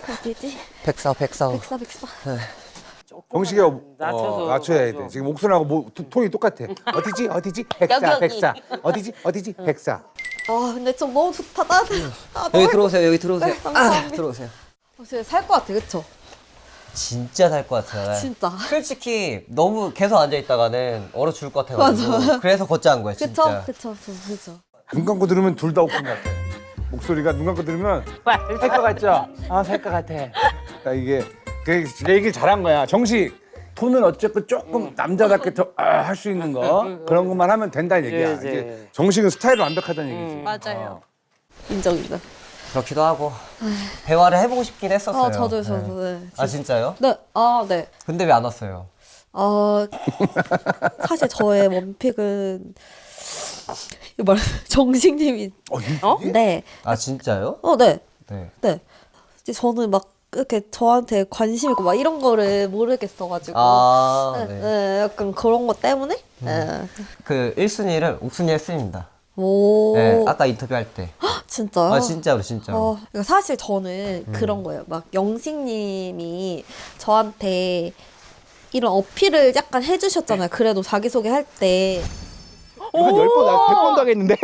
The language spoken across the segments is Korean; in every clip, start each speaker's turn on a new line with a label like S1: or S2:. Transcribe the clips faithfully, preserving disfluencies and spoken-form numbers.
S1: 어디지?
S2: 백사, 백사.
S1: 백사, 백사.
S3: 정식이가 어,
S4: 낮춰서
S3: 낮춰야 돼.
S4: 맞아.
S3: 지금 목소리하고 뭐, 토- 톤이 똑같아. 어디지? 어디지? 백사,
S1: 여기, 여기.
S3: 백사. 어디지? 어디지? 백사.
S1: 아 근데 좀 너무 좋다. 나, 아,
S2: 여기 들어오세요, 여기 들어오세요.
S1: 네, 감사합니다.
S2: 아, 들어오세요.
S1: 어, 진짜 살 것 같아, 그쵸?
S2: 진짜 살 것 같아요.
S1: 진짜.
S2: 솔직히 너무 계속 앉아있다가는 얼어 죽을 것 같아가지고. 그래서 걷자 한 거예요, 진짜.
S1: 그쵸? 그쵸? 저, 그쵸?
S3: 눈 감고 들으면 둘 다 오픈 같아. 목소리가 눈 감고 들으면 살 것 같죠? 아, 살 것 같아. 그러니까 이게 그 얘기를 잘한 거야. 정식 톤은 어쨌든 조금 남자답게 더 할 수 있는 거 그런 것만 하면 된다는 얘기야.
S4: 이제.
S3: 이게 정식은 스타일이 완벽하다는 얘기지.
S1: 맞아요.
S3: 어.
S1: 인정, 인정.
S2: 그렇기도 하고. 대화를 해보고 싶긴 했었어요.
S1: 아, 저도, 저도.
S2: 네.
S1: 네.
S2: 아, 진짜요?
S1: 네, 아, 네.
S2: 근데 왜 안 왔어요?
S1: 어, 사실 저의 원픽은 이거 말 정식님이
S3: 어, 이-
S4: 어?
S1: 네,
S2: 아, 진짜요?
S1: 어, 네,
S2: 네.
S1: 네. 이제 저는 막 이렇게 저한테 관심 있고 막 이런 거를 모르겠어가지고
S2: 아,
S1: 네,
S2: 네.
S1: 네, 약간 그런 것 때문에 네.
S2: 그 일 순위를 옥순이 했습니다.
S1: 오,
S2: 네, 아까 인터뷰할 때.
S1: 진짜요?
S2: 아, 진짜로, 진짜로.
S1: 어, 그러니까 사실 저는 그런 거예요. 막 영식님이 저한테 이런 어필을 약간 해주셨잖아요. 그래도 자기소개 때.
S3: 이거 한 열 번, 백 번도 하겠는데?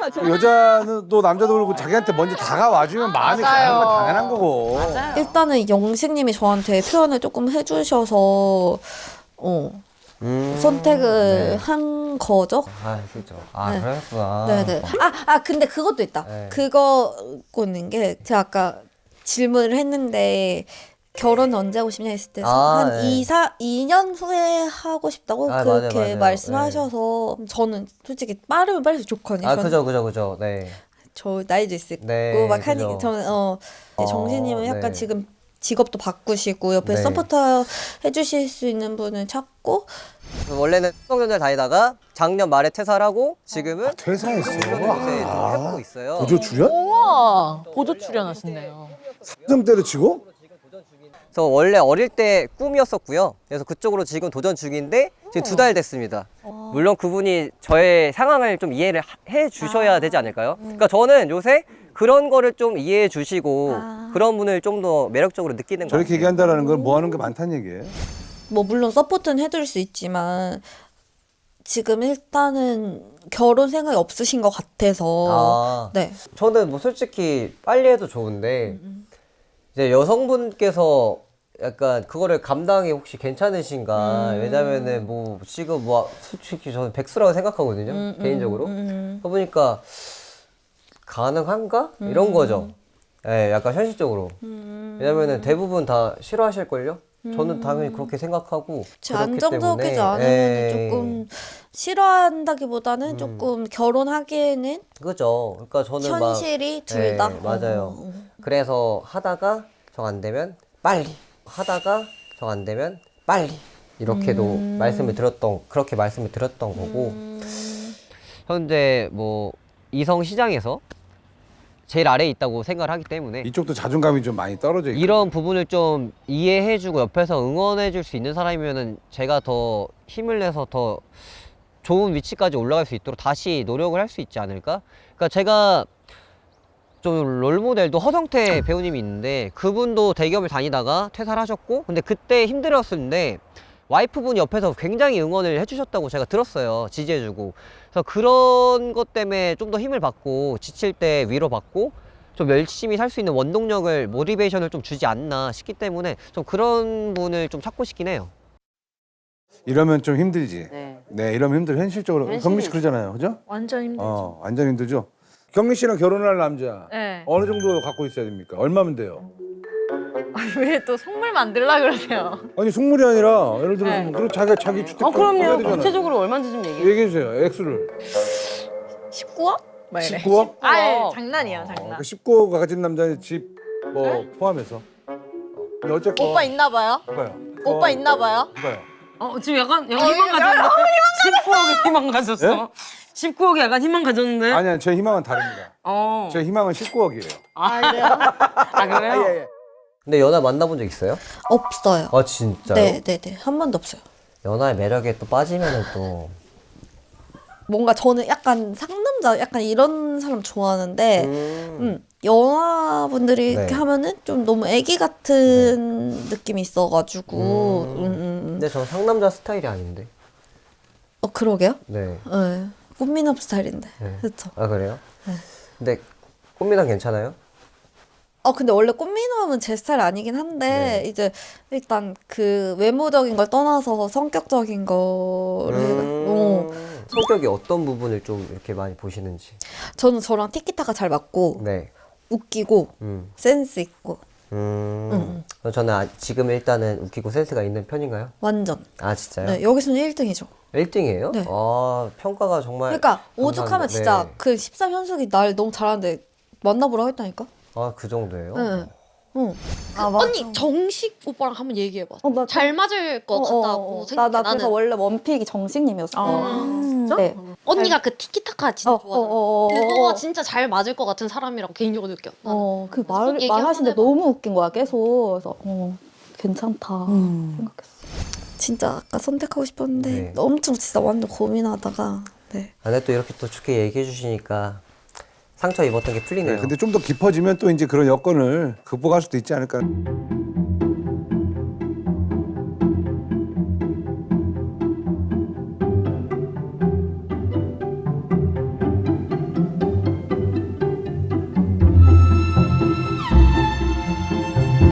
S3: 여자는 또 남자도 그렇고 자기한테 먼저 다가와주면 마음이 가는 건 당연한 거고.
S1: 일단은 영식님이 저한테 표현을 조금 해주셔서 어,
S2: 음,
S1: 선택을
S2: 네.
S1: 한 거죠.
S2: 아, 그죠. 아,
S1: 네.
S2: 그랬구나.
S1: 네네. 아, 아 근데 그것도 있다.
S2: 네.
S1: 그거는 게 제가 아까 질문을 했는데 결혼 언제 하고 싶냐 했을 때
S2: 아,
S1: 한
S2: 네.
S1: 이, 사, 이 년 후에 하고 싶다고
S2: 아,
S1: 그렇게
S2: 맞아요, 맞아요.
S1: 말씀하셔서 저는 솔직히 빠르면 빠를수록 좋거든요.
S2: 아,
S1: 저는
S2: 그죠, 그죠, 그죠. 네.
S1: 저 나이도 있고
S2: 네,
S1: 막
S2: 그죠.
S1: 하니 저는 어
S2: 어,
S1: 정신님은 약간
S2: 네.
S1: 지금 직업도 바꾸시고 옆에
S2: 네.
S1: 서포터 해주실 수 있는 분을 찾고
S2: 원래는 삼성전자를 다니다가 작년 말에 퇴사를 하고 지금은
S3: 퇴사했어.
S2: 요새 좀 해보고 있어요.
S3: 보조 출연?
S4: 우와 보조 출연하신대요.
S3: 삼성 때려치고?
S2: 그래서 원래 어릴 때 꿈이었었고요. 그래서 그쪽으로 지금 도전 중인데 지금 두 달 됐습니다. 물론 그분이 저의 상황을 좀 이해를 하- 해 주셔야 되지 않을까요? 그러니까 저는 요새 그런 거를 좀 이해해 주시고
S1: 아.
S2: 그런 분을 좀 더 매력적으로 느끼는 거
S3: 저렇게
S2: 같아요.
S3: 얘기한다라는 건 뭐 하는 게 많다는 얘기예요.
S1: 뭐 물론 서포트는 해줄 수 있지만 지금 일단은 결혼 생각이 없으신 것 같아서
S2: 아,
S1: 네.
S2: 저는 뭐 솔직히 빨리 해도 좋은데 이제 여성분께서 약간 그거를 감당이 혹시 괜찮으신가?
S1: 음.
S2: 왜냐면은 뭐 지금 뭐 솔직히 저는 백수라고 생각하거든요.
S1: 음, 음,
S2: 개인적으로.
S1: 음.
S2: 해보니까 가능한가? 이런 거죠. 예, 약간 현실적으로.
S1: 음.
S2: 왜냐면은 대부분 다 싫어하실걸요? 저는 당연히 그렇게 생각하고.
S1: 제
S2: 그렇기
S1: 안정적이지
S2: 때문에,
S1: 않으면
S2: 예.
S1: 조금 싫어한다기보다는
S2: 음.
S1: 조금 결혼하기에는
S2: 그죠. 그러니까 저는 막.
S1: 현실이 둘
S2: 예,
S1: 다.
S2: 맞아요.
S1: 어, 어, 어.
S2: 그래서 하다가 정 안 되면 빨리. 하다가 정 안 되면 빨리. 이렇게도
S1: 음.
S2: 말씀을 드렸던, 그렇게 말씀을 드렸던 거고. 현재 뭐 이성 시장에서 제일 아래에 있다고 생각을 하기 때문에
S3: 이쪽도 자존감이 좀 많이 떨어져 있고.
S2: 이런 부분을 좀 이해해주고 옆에서 응원해줄 수 있는 사람이면은 제가 더 힘을 내서 더 좋은 위치까지 올라갈 수 있도록 다시 노력을 할 수 있지 않을까? 그러니까 제가 좀 롤모델도 허성태 배우님이 있는데 그분도 대기업을 다니다가 퇴사를 하셨고 근데 그때 힘들었었는데 와이프분이 옆에서 굉장히 응원을 해주셨다고 제가 들었어요. 지지해주고. 그래서 그런 것 때문에 좀 더 힘을 받고 지칠 때 위로받고 좀 열심히 살 수 있는 원동력을 모티베이션을 좀 주지 않나 싶기 때문에 좀 그런 분을 좀 찾고 싶긴 해요.
S3: 이러면 좀 힘들지.
S4: 네.
S3: 네, 이러면 힘들어. 현실적으로.
S4: 현실이
S3: 경미 씨 그러잖아요. 그죠?
S5: 완전 힘들죠.
S3: 어, 완전 힘들죠. 경미 씨랑 결혼할 남자
S5: 네.
S3: 어느 정도 갖고 있어야 됩니까? 얼마면 돼요?
S5: 왜 또 속물 만들라 그러세요?
S3: 아니 숙물이 아니라 예를 들어
S5: 네.
S3: 서 자기가 자기 주택
S4: 어 그럼요.
S3: 되잖아요.
S4: 구체적으로 얼마인지 좀 얘기해.
S3: 얘기해 주세요. 액수를.
S5: 십구억? 막 이래.
S3: 십구억?
S5: 아, 장난이야,
S3: 어,
S5: 장난.
S3: 그 십구억 가진 남자의 집 뭐 포함해서. 근데 어쨌건
S1: 오빠 있나 봐요?
S3: 누가요?
S1: 오빠
S3: 어,
S1: 있나 봐요?
S3: 누가요?
S4: 어 지금 약간 약간 희망 가졌는데. 십구억에 희망 가졌어.
S3: 예?
S4: 십구억에 약간 희망 가졌는데.
S3: 아니야, 제 희망은 다릅니다.
S4: 어.
S3: 제 희망은 십구억이에요.
S1: 아, 그래요?
S4: 아 그래요?
S2: 근데 연하 만나본 적 있어요?
S1: 없어요.
S2: 아 진짜요?
S1: 네, 네, 네. 한 번도 없어요.
S2: 연하의 매력에 또 빠지면은 또
S1: 뭔가 저는 약간 상남자 약간 이런 사람 좋아하는데
S2: 음.
S1: 음, 여자분들이
S2: 네.
S1: 이렇게 하면은 좀 너무 애기 같은 느낌이 있어가지고
S2: 음.
S1: 음, 음, 음.
S2: 근데 저 상남자 스타일이 아닌데.
S1: 어 그러게요?
S2: 네.
S1: 네. 꽃미남 스타일인데
S2: 네.
S1: 그렇죠.
S2: 아 그래요?
S1: 네.
S2: 근데 꽃미남 괜찮아요?
S1: 어 근데 원래 꽃미남은 제 스타일 아니긴 한데
S2: 네.
S1: 이제 일단 그 외모적인 걸 떠나서 성격적인 거를 해가- 어,
S2: 음. 성격이 어떤 부분을 좀 이렇게 많이 보시는지.
S1: 저는 저랑 티키타카 잘 맞고
S2: 네.
S1: 웃기고
S2: 음.
S1: 센스 있고
S2: 음. 그럼 저는 아, 지금 일단은 웃기고 센스가 있는 편인가요?
S1: 완전
S2: 아 진짜요?
S1: 네, 여기서는 일 등이죠.
S2: 일 등이에요?
S1: 네.
S2: 아 평가가 정말.
S1: 그러니까 오죽하면
S2: 감사합니다.
S1: 진짜
S2: 네.
S1: 그 십삼 현숙이 날 너무 잘하는데 만나보라고 했다니까.
S2: 아 그 정도예요?
S1: 네. 응.
S5: 아, 언니 정식 오빠랑 한번 얘기해봐.
S1: 어, 나
S5: 잘 맞을 것 같다고 생각해.
S1: 나, 나 그래서
S5: 나는
S1: 원래 원픽이 정식님이었어.
S5: 아,
S4: 진짜?
S1: 네.
S5: 언니가 그 티키타카 진짜
S1: 어,
S5: 좋아하잖아.
S1: 어, 어, 어,
S5: 그거가
S1: 어.
S5: 진짜 잘 맞을 것 같은 사람이라고 개인적으로 느껴. 나는.
S1: 어, 그 말,
S5: 얘기
S1: 말하시는데
S5: 한번 해봐.
S1: 너무 웃긴 거야, 계속. 그래서, 어, 괜찮다. 생각했어. 진짜 아까 선택하고 싶었는데,
S2: 네.
S1: 엄청 진짜 완전 고민하다가, 네.
S2: 아, 근데 또 이렇게 또 좋게 얘기해 주시니까 상처 입었던 게 풀리네요.
S3: 근데 좀 더 깊어지면 또 이제 그런 여건을 극복할 수도 있지 않을까.